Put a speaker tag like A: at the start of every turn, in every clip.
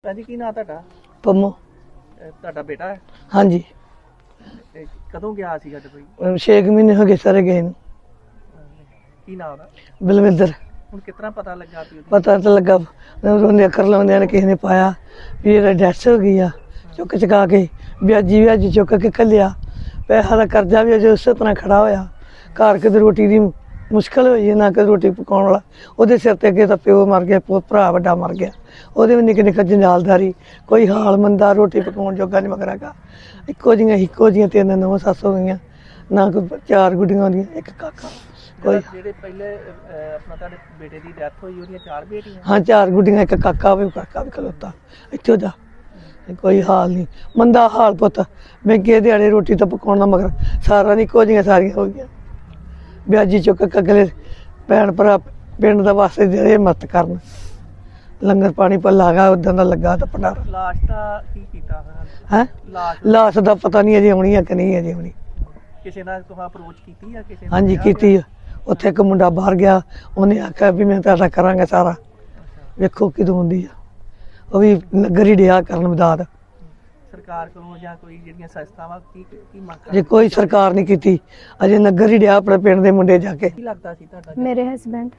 A: जी की नाम ਤੁਹਾਡਾ?
B: ਪੰਮੋ।
A: ਤੁਹਾਡਾ ਬੇਟਾ ਹੈ?
B: ਹਾਂਜੀ।
A: ਕਦੋਂ ਗਿਆ ਸੀਗਾ ਦੁਬਈ?
B: 6 ਮਹੀਨੇ ਹੋ ਗਏ ਸਾਰੇ ਗਏ ਨੂੰ।
A: ਕੀ ਨਾਮ ਉਹਦਾ?
B: ਬਲਵਿੰਦਰ।
A: ਹੁਣ ਕਿਤਨਾ ਪਤਾ ਲੱਗਾ ਵੀ
B: ਪਤਾ ਤਾਂ ਲੱਗਾ ਉਹਨੇ ਅੱਖਰ ਲਾਉਂਦਿਆਂ ਨੇ ਕਿਸੇ ਨੇ ਪਾਇਆ ਵੀ ਇਹਦਾ ਡੈਥ ਹੋ ਗਈ ਆ। ਚੁੱਕ ਚੁਕਾ ਕੇ ਵਿਆਜੀ ਚੁੱਕ ਕੇ ਘੱਲਿਆ। ਪੈਸਾ ਦਾ ਕਰਜ਼ਾ ਵੀ ਅਜੇ ਉਸੇ ਤਰ੍ਹਾਂ ਖੜਾ ਹੋਇਆ। ਘਰ ਕਿਤੇ ਰੋਟੀ ਦੀ ਮੁਸ਼ਕਿਲ ਹੋਈ ਹੈ, ਨਾ ਕਿ ਰੋਟੀ ਪਕਾਉਣ ਵਾਲਾ। ਉਹਦੇ ਸਿਰ ਤੇ ਅੱਗੇ ਤਾਂ ਪਿਓ ਮਰ ਗਿਆ, ਭਰਾ ਵੱਡਾ ਮਰ ਗਿਆ। ਉਹਦੇ ਵੀ ਨਿੱਕੇ ਨਿੱਕੇ ਜੰਜਾਲਦਾਰੀ, ਕੋਈ ਹਾਲ ਮੰਦਾ, ਰੋਟੀ ਪਕਾਉਣ ਜੋਗਾ ਨਹੀਂ ਮਗਰਾਗਾ। ਇੱਕੋ ਜਿਹੀਆਂ 3 ਨੌਂ ਸੱਸ ਹੋ ਗਈਆਂ, ਨਾ ਕੋਈ 4 ਗੁੱਡੀਆਂ ਹੁੰਦੀਆਂ, 1 ਕਾਕਾ। ਕੋਈ
A: ਜਿਹੜੇ ਪਹਿਲੇ ਆਪਣਾ ਤੁਹਾਡੇ ਬੇਟੇ ਦੀ ਡੈਥ ਹੋਈ ਉਹਦੀਆਂ 4 ਬੇਟੀਆਂ?
B: ਹਾਂ 4 ਗੁੱਡੀਆਂ, 1 ਕਾਕਾ ਵੀ ਖਲੋਤਾ ਇੱਥੋਂ ਦਾ। ਕੋਈ ਹਾਲ ਨਹੀਂ, ਮੰਦਾ ਹਾਲ ਪੁੱਤ। ਮਹਿੰਗੇ ਦਿਹਾੜੇ ਰੋਟੀ ਤਾਂ ਪਕਾਉਣਾ ਮਗਰ ਸਾਰਾ ਨਹੀਂ, ਇੱਕੋ ਜਿਹੀਆਂ ਸਾਰੀਆਂ ਹੋ ਗਈਆਂ। ਵਿਆਜੀ ਚੁੱਕ ਕੇ ਅਗਲੇ ਭੈਣ ਭਰਾ ਪਿੰਡ ਦਾ ਵਾਸਤੇ ਜਿਹੜੇ ਮਤ ਕਰਨ, ਲੰਗਰ ਪਾਣੀ ਭੱਲਾ ਗਾ ਉਦਾਂ ਦਾ ਲੱਗਾ ਤਾਂ ਭੰਡਾਰਾ।
A: ਲਾਸ਼ ਦਾ ਕੀ ਕੀਤਾ
B: ਹੈ? ਲਾਸ਼ ਦਾ ਪਤਾ ਨਹੀਂ ਅਜੇ ਆਉਣੀ ਆ ਕਿ ਨਹੀਂ ਅਜੇ ਆਉਣੀ।
A: ਕਿਸੇ ਨਾਲ ਤੁਸੀਂ ਅਪਰੋਚ ਕੀਤੀ ਆ ਕਿਸੇ?
B: ਹਾਂਜੀ ਕੀਤੀ ਆ। ਉੱਥੇ ਇੱਕ ਮੁੰਡਾ ਬਾਹਰ ਗਿਆ, ਉਹਨੇ ਆਖਿਆ ਵੀ ਮੈਂ ਤੁਹਾਡਾ ਕਰਾਂਗਾ ਸਾਰਾ, ਵੇਖੋ ਕਿਦੋਂ ਆਉਂਦੀ ਆ। ਉਹ ਵੀ ਨਗਰ ਹੀ ਡਿਆ ਕਰਨ ਮਦਦ।
A: ਸਰਕਾਰ ਕੋਲੋਂ ਜਾਂ ਕੋਈ ਜਿਹੜੀਆਂ ਸੰਸਥਾਵਾਂ ਕੀ ਮੰਗ?
B: ਅਜੇ ਕੋਈ ਸਰਕਾਰ ਨਹੀਂ ਕੀਤੀ, ਅਜੇ ਨਗਰ ਹੀ ਡਿਆ ਆਪਣੇ ਪਿੰਡ ਦੇ ਮੁੰਡੇ ਜਾ ਕੇ।
A: ਕੀ ਲੱਗਦਾ ਸੀ ਤੁਹਾਡਾ?
C: ਮੇਰੇ ਹਸਬੈਂਡ।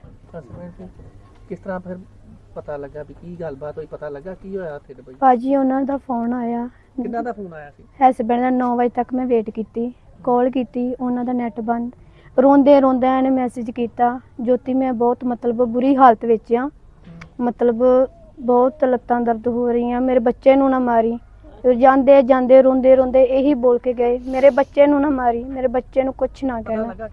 A: ਕਿਸ ਤਰ੍ਹਾਂ ਫਿਰ ਪਤਾ ਲੱਗਾ ਵੀ ਕੀ ਗੱਲਬਾਤ ਹੋਈ? ਪਤਾ ਲੱਗਾ ਕੀ ਹੋਇਆ ਉੱਥੇ ਦੁਬਈ?
C: ਭਾਜੀ ਉਹਨਾਂ ਦਾ ਫੋਨ ਆਇਆ।
A: ਕਿੰਨਾ ਦਾ ਫੋਨ ਆਇਆ ਸੀ?
C: ਹਸਬੈਂਡ ਦਾ 9 ਵਜੇ ਤੱਕ ਮੈਂ ਵੇਟ ਕੀਤੀ, ਕਾਲ ਕੀਤੀ, ਉਹਨਾਂ ਦਾ ਨੈਟ ਬੰਦ। ਰੋਂਦੇ ਇਹਨੇ ਮੈਸੇਜ ਕੀਤਾ, ਜੋਤੀ ਮੈਂ ਬਹੁਤ ਮਤਲਬ ਬੁਰੀ ਹਾਲਤ ਵਿੱਚ ਆ, ਮਤਲਬ ਬਹੁਤ ਲੱਤਾਂ ਦਰਦ ਹੋ ਰਹੀਆਂ, ਮੇਰੇ ਬੱਚੇ ਨੂੰ ਨਾ ਮਾਰੀ। ਜਾਂਦੇ ਰੋਂਦੇ ਇਹੀ ਬੋਲ ਕੇ ਗਏ, ਮੇਰੇ ਬੱਚੇ ਨੂੰ ਨਾ ਮਾਰੀ, ਮੇਰੇ ਬੱਚੇ ਨੂੰ ਕੁਛ ਨਾ ਕਹਿਣਾ।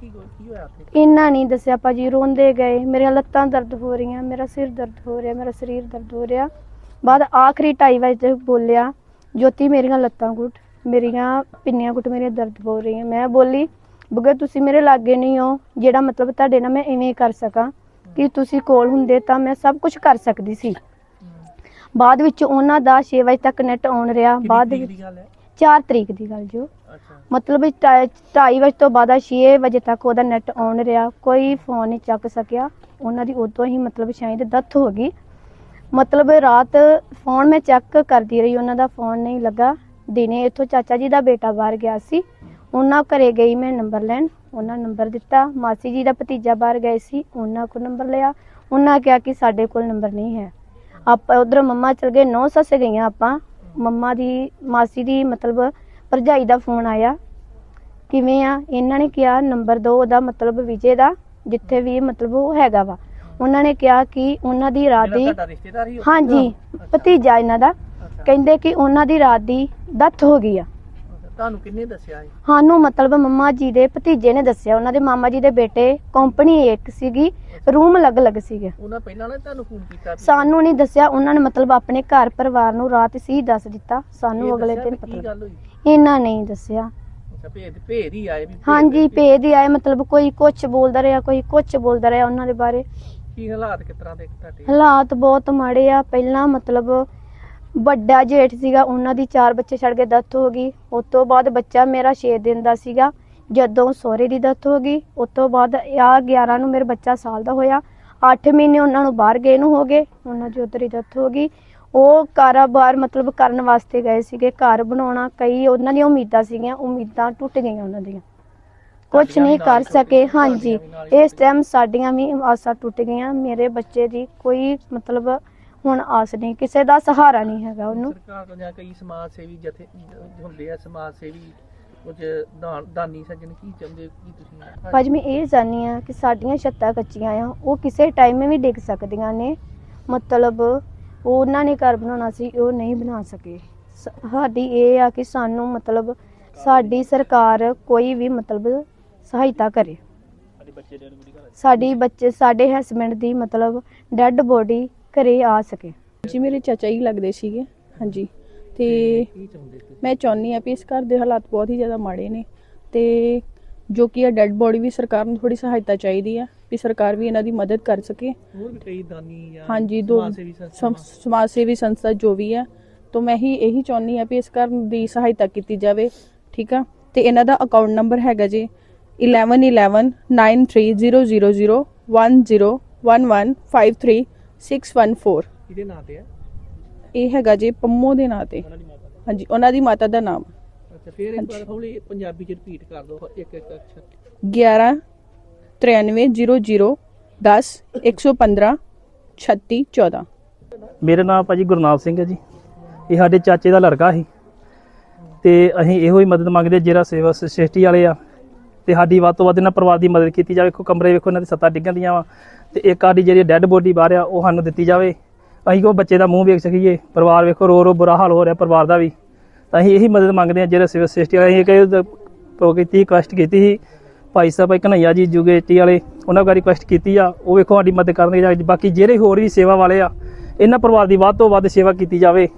C: ਇੰਨਾ ਨਹੀਂ ਦੱਸਿਆ ਭਾਜੀ, ਰੋਂਦੇ ਗਏ। ਮੇਰੀਆਂ ਲੱਤਾਂ ਦਰਦ ਹੋ ਰਹੀਆਂ, ਮੇਰਾ ਸਿਰ ਦਰਦ ਹੋ ਰਿਹਾ, ਮੇਰਾ ਸਰੀਰ ਦਰਦ ਹੋ ਰਿਹਾ। ਬਾਅਦ ਆਖਰੀ 2:30 ਵਜੇ ਬੋਲਿਆ, ਜੋਤੀ ਮੇਰੀਆਂ ਲੱਤਾਂ ਘੁੱਟ, ਮੇਰੀਆਂ ਪਿੰਨੀਆਂ ਘੁੱਟ, ਮੇਰੀਆਂ ਦਰਦ ਹੋ ਰਹੀਆਂ। ਮੈਂ ਬੋਲੀ ਬਗੈਰ ਤੁਸੀਂ ਮੇਰੇ ਲਾਗੇ ਨਹੀਂ ਹੋ, ਜਿਹੜਾ ਮਤਲਬ ਤੁਹਾਡੇ ਨਾਲ ਮੈਂ ਇਵੇਂ ਕਰ ਸਕਾਂ, ਕਿ ਤੁਸੀਂ ਕੋਲ ਹੁੰਦੇ ਤਾਂ ਮੈਂ ਸਭ ਕੁਝ ਕਰ ਸਕਦੀ ਸੀ। ਬਾਅਦ ਵਿੱਚ ਉਹਨਾਂ ਦਾ 6 ਵਜੇ ਤੱਕ ਨੈਟ ਆਨ ਰਿਹਾ। ਬਾਅਦ ਵਿੱਚ 4 ਤਰੀਕ ਦੀ ਗੱਲ ਜੋ ਮਤਲਬ 2:30 ਵਜੇ ਤੋਂ ਬਾਅਦ 6 ਵਜੇ ਤੱਕ ਉਹਦਾ ਨੈਟ ਆਨ ਰਿਹਾ, ਕੋਈ ਫੋਨ ਨਹੀਂ ਚੱਕ ਸਕਿਆ। ਉਹਨਾਂ ਦੀ ਉਦੋਂ ਹੀ ਮਤਲਬ ਸ਼ਾਇਦ ਡੈਥ ਹੋ ਗਈ। ਮਤਲਬ ਰਾਤ ਫੋਨ ਮੈਂ ਚੈੱਕ ਕਰਦੀ ਰਹੀ, ਉਹਨਾਂ ਦਾ ਫੋਨ ਨਹੀਂ ਲੱਗਾ। ਦਿਨੇ ਇੱਥੋਂ ਚਾਚਾ ਜੀ ਦਾ ਬੇਟਾ ਬਾਹਰ ਗਿਆ ਸੀ, ਉਹਨਾਂ ਘਰੇ ਗਈ ਮੈਂ ਨੰਬਰ ਲੈਣ, ਉਹਨਾਂ ਨੰਬਰ ਦਿੱਤਾ। ਮਾਸੀ ਜੀ ਦਾ ਭਤੀਜਾ ਬਾਹਰ ਗਏ ਸੀ, ਉਹਨਾਂ ਕੋਲ ਨੰਬਰ ਲਿਆ। ਉਹਨਾਂ ਕਿਹਾ ਕਿ ਸਾਡੇ ਕੋਲ ਨੰਬਰ ਨਹੀਂ ਹੈ। ਆਪਾਂ ਉਧਰ ਮੰਮਾ ਚਲ ਗਏ, 9 ਸੱਸ ਗਈਆਂ ਆਪਾਂ। ਮੰਮਾ ਦੀ ਮਾਸੀ ਦੀ ਮਤਲਬ ਭਰਜਾਈ ਦਾ ਫੋਨ ਆਇਆ, ਕਿਵੇਂ ਆ? ਇਹਨਾਂ ਨੇ ਕਿਹਾ ਨੰਬਰ ਦਿਓ ਉਹਦਾ, ਮਤਲਬ ਵਿਜੇ ਦਾ, ਜਿੱਥੇ ਵੀ ਮਤਲਬ ਉਹ ਹੈਗਾ ਵਾ। ਉਹਨਾਂ ਨੇ ਕਿਹਾ ਕਿ ਉਹਨਾਂ ਦੀ ਰਾਤ ਦੀ, ਹਾਂਜੀ ਭਤੀਜਾ ਇਹਨਾਂ ਦਾ, ਕਹਿੰਦੇ ਕਿ ਉਹਨਾਂ ਦੀ ਰਾਤ ਦੀ ਡੈਥ ਹੋ ਗਈ ਆ।
A: ਤੁਹਾਨੂੰ ਕਿੰਨੇ ਦੱਸਿਆ?
C: ਸਾਨੂੰ ਮਤਲਬ ਮੰਮਾ ਜੀ ਦੇ ਭਤੀਜੇ ਨੇ ਦੱਸਿਆ। ਉਹਨਾਂ ਦੇ ਮਾਮਾ ਜੀ ਦੇ ਬੇਟੇ, ਕੰਪਨੀ ਇੱਕ ਸੀਗੀ, ਰੂਮ ਅਲੱਗ-ਅਲੱਗ ਸੀਗੇ।
A: ਉਹਨਾਂ ਪਹਿਲਾਂ ਨਾ ਤੁਹਾਨੂੰ ਫੋਨ ਕੀਤਾ?
C: ਸਾਨੂੰ ਨਹੀਂ ਦੱਸਿਆ, ਉਹਨਾਂ ਨੇ ਮਤਲਬ ਆਪਣੇ ਘਰ ਪਰਿਵਾਰ ਨੂੰ ਰਾਤ ਸੀ ਦੱਸ ਦਿੱਤਾ, ਸਾਨੂੰ ਅਗਲੇ ਦਿਨ ਪਤਾ। ਇਹਨਾਂ ਨਹੀਂ ਦੱਸਿਆ।
A: ਭੇਦ ਹੀ ਆਏ?
C: ਹਾਂਜੀ ਭੇਦ ਹੀ ਆਏ, ਮਤਲਬ ਕੋਈ ਕੁਛ ਬੋਲਦਾ ਰਿਹਾ, ਕੋਈ ਕੁਛ ਬੋਲਦਾ ਰਿਹਾ ਉਹਨਾਂ ਦੇ ਬਾਰੇ।
A: ਕੀ ਹਾਲਾਤ ਕਿਸ ਤਰ੍ਹਾਂ ਦੇ ਤੁਹਾਡੇ?
C: ਹਾਲਾਤ ਬਹੁਤ ਮਾੜੇ ਆ। ਪਹਿਲਾਂ ਮਤਲਬ ਵੱਡਾ ਜੇਠ ਸੀਗਾ, ਉਹਨਾਂ ਦੀ 4 ਬੱਚੇ ਛੱਡ ਕੇ ਡੈਥ ਹੋ ਗਈ। ਉਸ ਤੋਂ ਬਾਅਦ ਬੱਚਾ ਮੇਰਾ 6 ਦਿਨ ਦਾ ਸੀਗਾ ਜਦੋਂ ਸਹੁਰੇ ਦੀ ਡੈਥ ਹੋ ਗਈ। ਉਸ ਤੋਂ ਬਾਅਦ 11 ਨੂੰ ਮੇਰਾ ਬੱਚਾ ਸਾਲ ਦਾ ਹੋਇਆ। 8 ਮਹੀਨੇ ਉਹਨਾਂ ਨੂੰ ਬਾਹਰ ਗਏ ਨੂੰ ਹੋ ਗਏ, ਉਹਨਾਂ ਦੀ ਉੱਧਰ ਹੀ ਡੈਥ ਹੋ ਗਈ। ਉਹ ਕਾਰੋਬਾਰ ਮਤਲਬ ਕਰਨ ਵਾਸਤੇ ਗਏ ਸੀਗੇ, ਘਰ ਬਣਾਉਣਾ, ਕਈ ਉਹਨਾਂ ਦੀਆਂ ਉਮੀਦਾਂ ਸੀਗੀਆਂ, ਉਮੀਦਾਂ ਟੁੱਟ ਗਈਆਂ ਉਹਨਾਂ ਦੀਆਂ, ਕੁਛ ਨਹੀਂ ਕਰ ਸਕੇ। ਹਾਂਜੀ ਇਸ ਟਾਈਮ ਸਾਡੀਆਂ ਵੀ ਆਸਾਂ ਟੁੱਟ ਗਈਆਂ। ਮੇਰੇ ਬੱਚੇ ਦੀ ਕੋਈ ਮਤਲਬ ਹੁਣ ਆਸ ਨਹੀਂ, ਕਿਸੇ ਦਾ ਸਹਾਰਾ ਨਹੀਂ ਹੈਗਾ ਉਹਨੂੰ।
A: ਸਰਕਾਰ ਤੋਂ ਜਾਂ ਕਈ ਸਮਾਜ ਸੇਵੀ ਜਥੇ ਹੁੰਦੇ ਆ, ਸਮਾਜ ਸੇਵੀ ਕੁਝ ਦਾਨੀ ਸੱਜਣ ਕੀ ਚਾਹੁੰਦੇ? ਕੀ ਤੁਸੀਂ?
C: ਭਾਜੀ ਮੈਂ ਇਹ ਚਾਹੁੰਦੀ ਹਾਂ ਕਿ ਸਾਡੀਆਂ ਛੱਤਾਂ ਕੱਚੀਆਂ ਆ, ਉਹ ਕਿਸੇ ਟਾਈਮ ਵੀ ਡਿੱਗ ਸਕਦੀਆਂ ਨੇ। ਮਤਲਬ ਉਹਨਾਂ ਨੇ ਘਰ ਬਣਾਉਣਾ ਸੀ, ਉਹ ਨਹੀਂ ਬਣਾ ਸਕੇ। ਸਾਡੀ ਇਹ ਆ ਕਿ ਸਾਨੂੰ ਮਤਲਬ ਸਾਡੀ ਸਰਕਾਰ ਕੋਈ ਵੀ ਮਤਲਬ ਸਹਾਇਤਾ ਕਰੇ। ਸਾਡੇ ਹਸਬੈਂਡ ਦੀ ਮਤਲਬ ਡੈੱਡ ਬੋਡੀ ਘਰੇ ਆ ਸਕੇ।
D: ਜੀ ਮੇਰੇ ਚਾਚਾ ਹੀ ਲੱਗਦੇ ਸੀਗੇ। ਹਾਂਜੀ ਤੇ ਮੈਂ ਚਾਹੁੰਦੀ ਹਾਂ ਵੀ ਇਸ ਘਰ ਦੇ ਹਾਲਾਤ ਬਹੁਤ ਹੀ ਜ਼ਿਆਦਾ ਮਾੜੇ ਨੇ, ਤੇ ਜੋ ਕਿ ਇਹ ਡੈੱਡ ਬੋਡੀ ਵੀ ਸਰਕਾਰ ਨੂੰ ਥੋੜੀ ਸਹਾਇਤਾ ਚਾਹੀਦੀ ਆ, ਵੀ ਸਰਕਾਰ ਵੀ ਇਹਨਾਂ ਦੀ ਮਦਦ ਕਰ ਸਕੇ।
A: ਹੋਰ ਵੀ ਕਈ ਦਾਨੀ ਜਾਂ
D: ਹਾਂਜੀ ਸਮਾਜ ਸੇਵੀ ਸੰਸਥਾ ਜੋ ਵੀ ਹੈ, ਤਾਂ ਮੈਂ ਇਹੀ ਚਾਹੁੰਦੀ ਹਾਂ ਵੀ ਇਸ ਘਰ ਦੀ ਸਹਾਇਤਾ ਕੀਤੀ ਜਾਵੇ। ਠੀਕ ਆ, ਤੇ ਇਹਨਾਂ ਦਾ ਅਕਾਊਂਟ ਨੰਬਰ ਹੈਗਾ ਜੀ 111193000101153614।
A: ਇਹਦੇ ਨਾਂ ਤੇ ਹੈ?
D: ਇਹ ਹੈਗਾ ਜੇ ਪੰਮੋ ਦੇ ਨਾਂ ਤੇ। ਹਾਂਜੀ, ਉਹਨਾਂ ਦੀ ਮਾਤਾ ਦਾ ਨਾਮ
A: ਅੱਛਾ, ਫਿਰ ਇੱਕ ਵਾਰ ਹੌਲੀ ਪੰਜਾਬੀ ਚ ਰਿਪੀਟ ਕਰ ਦਿਓ ਇੱਕ ਇੱਕ ਅੱਖਰ।
D: 11 93 00 10 115 36 14।
E: ਮੇਰਾ ਨਾਮ ਭਾਜੀ ਗੁਰਨਾਮ ਸਿੰਘ ਹੈ ਜੀ। ਇਹ ਸਾਡੇ ਚਾਚੇ ਦਾ ਲੜਕਾ ਸੀ ਤੇ ਅਸੀਂ ਇਹੋ ਹੀ ਮਦਦ ਮੰਗਦੇ, ਜਿਹੜਾ ਸੇਵਾ ਸੋਸਾਇਟੀ ਵਾਲੇ ਆ, ਤੇ ਸਾਡੀ ਵੱਧ ਤੋਂ ਵੱਧ ਇਹਨਾਂ ਪਰਿਵਾਰ ਦੀ ਮਦਦ ਕੀਤੀ ਜਾਵੇ। ਵੇਖੋ ਕਮਰੇ, ਵੇਖੋ ਇਹਨਾਂ ਦੀ ਸੱਤਾਂ ਡਿੱਗਣ ਦੀਆਂ ਵਾ, ਤੇ ਇੱਕ ਸਾਡੀ ਜਿਹੜੀ ਡੈੱਡ ਬੋਡੀ ਬਾਹਰ ਆ ਉਹ ਸਾਨੂੰ ਦਿੱਤੀ ਜਾਵੇ। ਅਸੀਂ ਕੋ ਬੱਚੇ ਦਾ ਮੂੰਹ ਵੇਖ ਸਕੀਏ। ਪਰਿਵਾਰ ਵੇਖੋ ਰੋ ਰੋ ਬੁਰਾ ਹਾਲ ਹੋ ਰਿਹਾ ਪਰਿਵਾਰ ਦਾ ਵੀ। ਤਾਂ ਅਸੀਂ ਇਹੀ ਮਦਦ ਮੰਗਦੇ ਹਾਂ ਜਿਹੜਾ ਸੇਵਾ ਸੋਸਾਇਟੀ ਵਾਲੇ। ਅਸੀਂ ਕੀਤੀ ਰਿਕੁਐਸਟ ਕੀਤੀ ਸੀ ਭਾਈ ਸਾਹਿਬ ਕਨ੍ਹਈਆ ਜੀ ਯੂਗੇਟੀ ਵਾਲੇ, ਉਹਨਾਂ ਕੋਲ ਰਿਕੁਐਸਟ ਕੀਤੀ ਆ, ਉਹ ਵੇਖੋ ਸਾਡੀ ਮਦਦ ਕਰਨਗੇ। ਬਾਕੀ ਜਿਹੜੇ ਹੋਰ ਵੀ ਸੇਵਾ ਵਾਲੇ ਆ, ਇਹਨਾਂ ਪਰਿਵਾਰ ਦੀ ਵੱਧ ਤੋਂ ਵੱਧ ਸੇਵਾ ਕੀਤੀ ਜਾਵੇ।